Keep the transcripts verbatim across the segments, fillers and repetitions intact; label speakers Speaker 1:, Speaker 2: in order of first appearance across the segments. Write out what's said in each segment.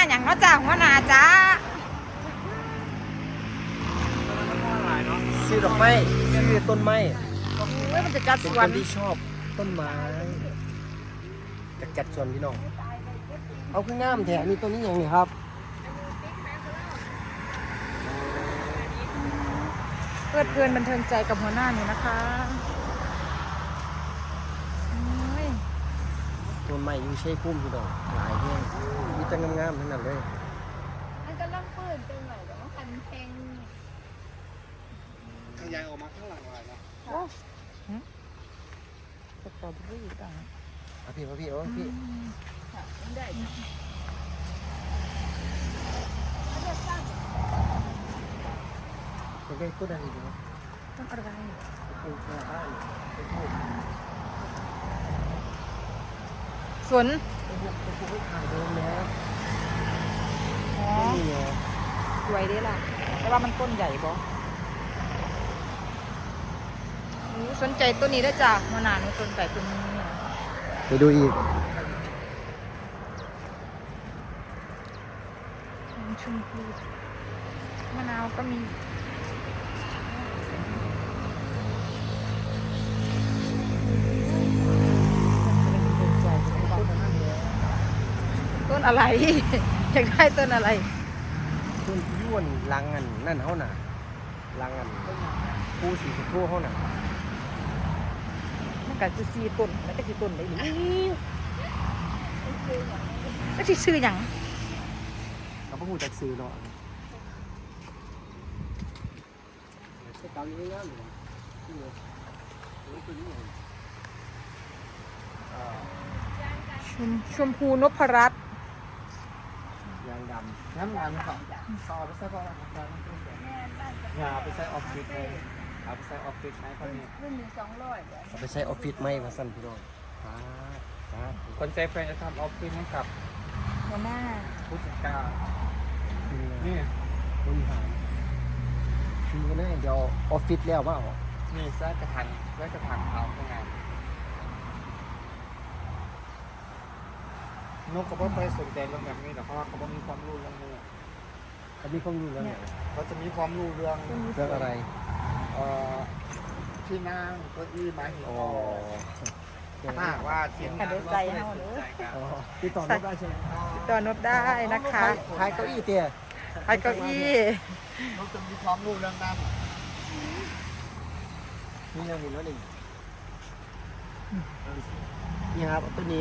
Speaker 1: อย่างเนาะจ้าหัวหน้าจ้า
Speaker 2: ซื้อดอกไม้ซื้อต้นไม้
Speaker 1: เฮ้ยมันจะจัด
Speaker 2: เป็
Speaker 1: ส
Speaker 2: น
Speaker 1: ว
Speaker 2: คน นที่ชอบต้นไม้จัดจัดสวนพี่น้องเอาขึ้นงามแถมมีต้นนี้อย่างนี้ครับ
Speaker 1: เพื่อนเพื่อนบันเทิงใจกับหัวหน้านี่นะคะ
Speaker 2: ต้นไม้อยู่ใช้พุ่มพี่น้องหลายแห้งมีแต่งามๆทั้งนั้นเลย
Speaker 3: มันก็ล่องปืนเป็นไหนแต่ว่าคันเพลง
Speaker 4: ขยายออกมาข้างหลังอะไรนะ
Speaker 1: โอ้สตรอเบอรี่ต่าง
Speaker 2: เอาพี่เอาพี่เอาพี่
Speaker 3: ได้
Speaker 2: จะได้ต้นอะไรดีครับ
Speaker 1: ต้นอะไร
Speaker 2: ต้นกระบ้านต้นทูบ
Speaker 1: สวน
Speaker 2: ต้นพวกต้นพวกขายโดนแล้ว
Speaker 1: อ๋อ
Speaker 2: นี่ไง
Speaker 1: สวยดีล่ะแต่ว่ามันต้นใหญ่บ่สนใจต้นนี้ได้จ้ะหัวหน้าหนูสนใจต้นนี้
Speaker 2: ไปดูอีก
Speaker 1: ชมพูมะนาวก็มีต้นอะไร อยากได้ต้นอะไร
Speaker 2: ต้นย้วนลังอันนั่นเขาน่ะลังอันผู้สีสุดทั่วเขาน่ะ
Speaker 1: มันก็คือสีต้นมันก็คือต้นได้หรือก็คือชื่ออย่าง
Speaker 2: เราพูดจากซื้อเนาะใช้กาวนี้ง่ายๆเลยนี่เลยตัวนี้ไง
Speaker 1: ชมชมพูนพรัตน์
Speaker 2: ยางด
Speaker 4: น้ำงานเขาต่อไปใส่ก่อนนะครับอย่าไปใส่ออฟฟิศเลยเอาไปใส่ออฟฟิศใช้คนนี้
Speaker 3: รุ่นหนึ่งสองร้อย
Speaker 2: ำเอาไปใช้ออฟฟิศไหมมาสั้นพี่น้องครับครับ
Speaker 4: คนใจแฟนจะทำออฟฟิศให้กับ
Speaker 1: หัวหน้า
Speaker 4: ผู้จัดการ
Speaker 2: นี่
Speaker 4: นี่
Speaker 2: บริหารคือกันแน่เดี๋ยวออฟฟิศแล้วว่า
Speaker 4: นี่ใส่กระถางไว้กระถางเขาทำงานนกเขาไม่ไปสนใจเรื่องแบบนี้หรอกเพราะว่าเขาไม่มีความรู้เรื่องนี้
Speaker 2: เขามีความรู้แล้วเนี่ย
Speaker 4: เขาจะมีความรู้เรื่อง
Speaker 2: เรื่องอะไร
Speaker 4: เอ่อที่นั่งเก้าอี้ไม้หิน
Speaker 2: อ๋อ
Speaker 4: ถ้าหากว่าทีมงานว่าไม่สนใจกัน
Speaker 2: อ๋อติดต่อได้ใช่ไหม
Speaker 1: ตัวนบได้นะคะ
Speaker 2: ขายเก้าอี้เตี้ย
Speaker 1: ไอ้เก้าอี้
Speaker 4: นกจะมีความรู้เรื่องนั้น
Speaker 2: นี่ยังเห็นแล้วหนึ่งนี่ครับตัวนี้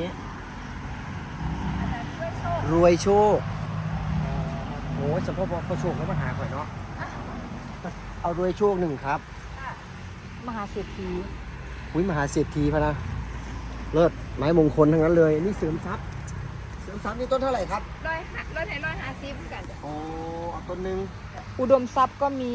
Speaker 2: รวยโชคโอ้ยสมพบพอโชคแล้วมาหาข่อยเนาะเอารวยโชคหนึ่งครับ
Speaker 1: มหาเศรษฐี
Speaker 2: อุ้ยมหาเศรษฐีพะนะเลิศไม้มงคลทั้งนั้นเลยนี่เสริมทรัพย์เสริมทรัพย์นี่ต้นเท่าไหร่ครับ
Speaker 3: ร้อยหักร้อยไหนร้อยห้าสิบกันจ้ะ
Speaker 2: โอ้เอาต้นหนึ่ง
Speaker 1: อุดมทรัพย์ก็มี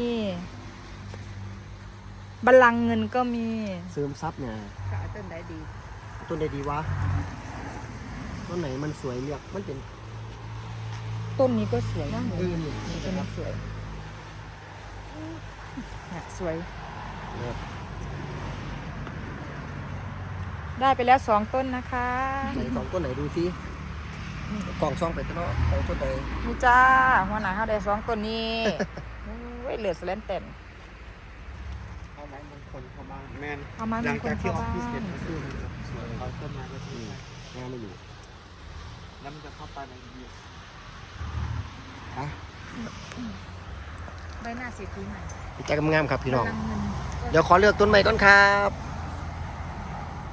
Speaker 1: บัลลังก์เงินก็มี
Speaker 2: เสริมทรัพย์เนี่ย
Speaker 1: ขายต้นได้ดี
Speaker 2: ต้นใดดีวะต้นไหนมันสวยเรียกมันเป็น
Speaker 1: ต้นนี้ก็สวยนะ
Speaker 2: เออนี่
Speaker 1: ต้นนี้สวยเนี่ยสวย
Speaker 2: เนี่ย
Speaker 1: ได้ไปแล้วสองต้นนะคะ
Speaker 2: ไหนสองต้นไหนดูซิกล่องซองไปต้นเนาะเอาต้นใด
Speaker 1: นี่จ้าหัวหน้าเขาได้สองต้นนี้เว้ยเหลือสแลนเต็น
Speaker 4: เอาไม้มงคลเข้าบ้านแมน
Speaker 1: เอาไม้
Speaker 4: ห
Speaker 1: ม
Speaker 4: ลั
Speaker 1: ง
Speaker 4: ง
Speaker 1: คล
Speaker 4: จากที่
Speaker 1: เข้า
Speaker 4: ออฟ
Speaker 1: บ้า
Speaker 4: ฟิศเสร็จ
Speaker 1: น
Speaker 4: ก็ซื้อสวยเอาต้นไม้ก็ซื้อ
Speaker 2: งานไม่อยู่
Speaker 4: แล้วมันจะเข้าไปในยี
Speaker 2: อ่ะ
Speaker 1: ใบหน้าเศรษฐีใหม่
Speaker 2: ใจกำงามครับพี่น้อง
Speaker 1: บัลลังก์เงิน
Speaker 2: เดี๋ยวขอเลือกต้นใหม่ก่อนครับ